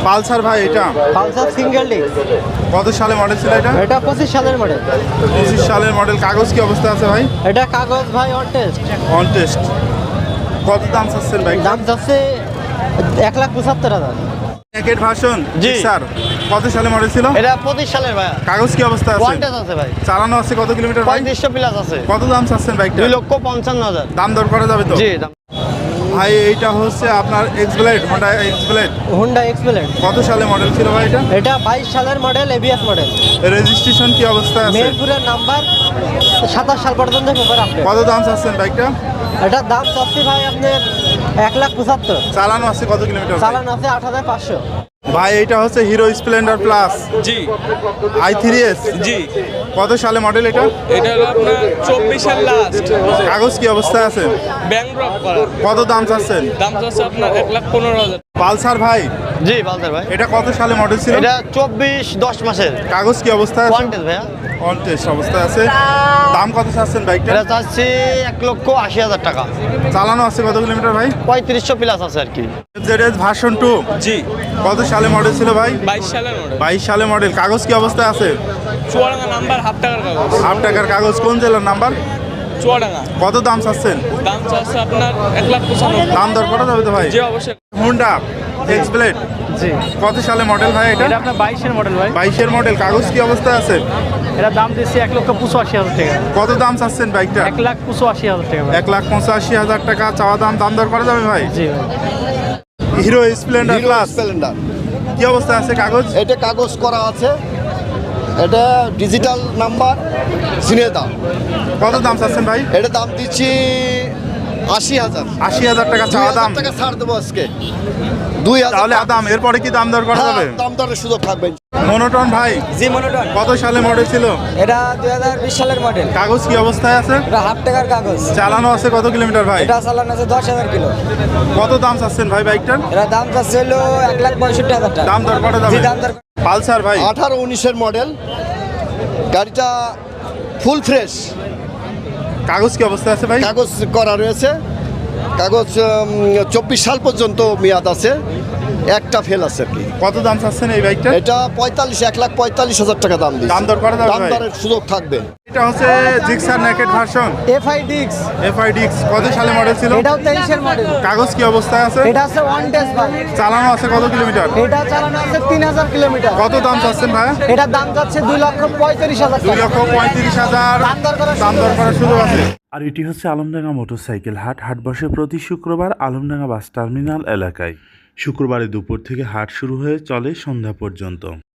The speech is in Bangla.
পালসার ভাই, এটা পালসার সিঙ্গেল ডিস্ক। কত সালে মডেল ছিল এটা? এটা 25 সালের মডেল। 25 সালের মডেল। কাগজ কি অবস্থা আছে ভাই? এটা কাগজ ভাই অন টেস্ট। On test. কত দাম চাচ্ছেন বাইক? দাম যাচ্ছে 1,75,000। নেকেড ভার্সন জি স্যার, কত সালে মডেল ছিল? এটা 25 সালের ভাই। কাগজ কি অবস্থা আছে? ওয়ান টেস্ট আছে ভাই। চালানো আছে কত কিলোমিটার ভাই? 3500 প্লাস আছে। কত দাম চাচ্ছেন বাইকটা? 2,55,000। দাম দর করা যাবে তো? জি। ভাই এইটা হচ্ছে আপনার Xblade, Honda Xblade. Honda Xblade. কত সালে মডেল ছিল ভাই এটা? এটা 22 সালের মডেল, এবিএস মডেল। রেজিস্ট্রেশন কি অবস্থা আছে? মেহেরপুরের নাম্বার, 27 সাল পর্যন্ত পেপার আপডেট। কত দাম চাচ্ছেন বাইকটা? এটার দাম চাচ্ছি ভাই আপনার 1,75,000। চালানো আছে কত কিলোমিটার? চালান আছে 8,500। ভাই এইটা হচ্ছে হিরো স্প্লেন্ডার প্লাস জি i3s। জি। কত সালে মডেল এটা? এটা হলো আপনার 24 সাল লাস্ট। কাগজ কি অবস্থায় আছে? ব্যাংক ড্রপ করা। কত দাম চাচ্ছেন? দাম চাচ্ছে আপনার 1,15,000। পালসার ভাই, জি পালসার ভাই। এটা কত সালে মডেল ছিল? এটা 10 মাসের। কাগজ কি অবস্থায় আছে? ওয়ান টেস্ট ভাইয়া। অন টেস্ট অবস্থায় আছে। দাম কত চাচ্ছেন বাইকটা? এটা চাচ্ছি 1,80,000 টাকা। চালানো আছে কত কিলোমিটার ভাই? 3500 প্লাস আছে আর কি। ZS ভার্সন 2 জি। কত সালে মডেল ছিল ভাই? 22 সালের মডেল। 22 সালে মডেল। কাগজ কি অবস্থায় আছে? চুয়াডাঙ্গা নাম্বার, হাফ টাকার কাগজ। 8 টাকার কাগজ। কোন জেলার নাম্বার? চুয়াডাঙ্গা। কত দাম চাচ্ছেন? দাম চাচ্ছে আপনার 1,95,000। দাম দর করা যাবে তো ভাই? জি অবশ্যই। হোন্ডা এক্সব্লেড জি, কত সালে মডেল ভাই এটা? এটা আপনার 22-এর মডেল ভাই। 22-এর মডেল। কাগজ কি অবস্থায় আছে? এটা দাম দিচ্ছি 1,85,000 টাকা। কত দাম চাচ্ছেন বাইকটা? 1,85,000 টাকা ভাই। 1,85,000 টাকা চাওয়া দাম। দাম দর করা যাবে ভাই? জি ভাই। Hero Splendor Hero plus Splendor, কি অবস্থায় আছে কাগজ? এটা কাগজ করা আছে, এটা ডিজিটাল নাম্বার, জিনে দাম। কত দাম চাচ্ছেন ভাই? এটা দাম দিচ্ছি 80,000। 80,000 টাকা চাওয়া দাম। 2,000 টাকা ছাড় দেবো আজকে। 2,000 তাহলে আদাম, এরপরে কি দাম দর করা যাবে? দাম দরের সুযোগ থাকবে। মনোটন ভাই, জি মনোটন। কত সালে মডেল ছিল? এটা 2020 সালের মডেল। কাগজ কি অবস্থায় আছে? এটা হাফ টাকার কাগজ। চালানো আছে কত কিলোমিটার ভাই? এটা চালান আছে 10,000 কিলো। কত দাম চাচ্ছেন ভাই বাইকটার? এটা দাম চাচ্ছে হলো 1,65,000 টাকা। দাম দর করা যাবে? জি দাম দর। পালসার ভাই, 18-19-এর মডেল, গাড়িটা ফুল ফ্রেশ, কাগজ কি অবস্থায় আছে ভাই? কাগজ করা রয়েছে। কাগজ 24 সাল পর্যন্ত মেয়াদ আছে, একটা ফেল আছে আর কি। কত দাম চাচ্ছেন এই বাইকটা? এটা 1,45,000 টাকা দাম দিচ্ছে। দাম দর করা যাবে দাম ভাই? দরের সুযোগ থাকবে। এটা হচ্ছে Gixxer naked version FI DX. FIDX। কত সালে মডেল ছিল? এটাও 23-এর মডেল। কাগজ কি অবস্থায় আছে? এটা আছে ওয়ান টেস্ট ভাই। চালানো আছে কত কিলোমিটার? এটা চালানো আছে 3,000 কিলোমিটার। কত দাম চাচ্ছেন ভাই? এটা দাম যাচ্ছে 2,35,000 টাকা। 2,35,000। দাম দর করার দাম দর করার সুযোগ আছে। আর এটি হচ্ছে আলমডাঙ্গা মোটরসাইকেল হাট। হাট বসে প্রতি শুক্রবার আলমডাঙ্গা বাস টার্মিনাল এলাকায়। শুক্রবারে দুপুর থেকে হাট শুরু হয়ে চলে সন্ধ্যা পর্যন্ত।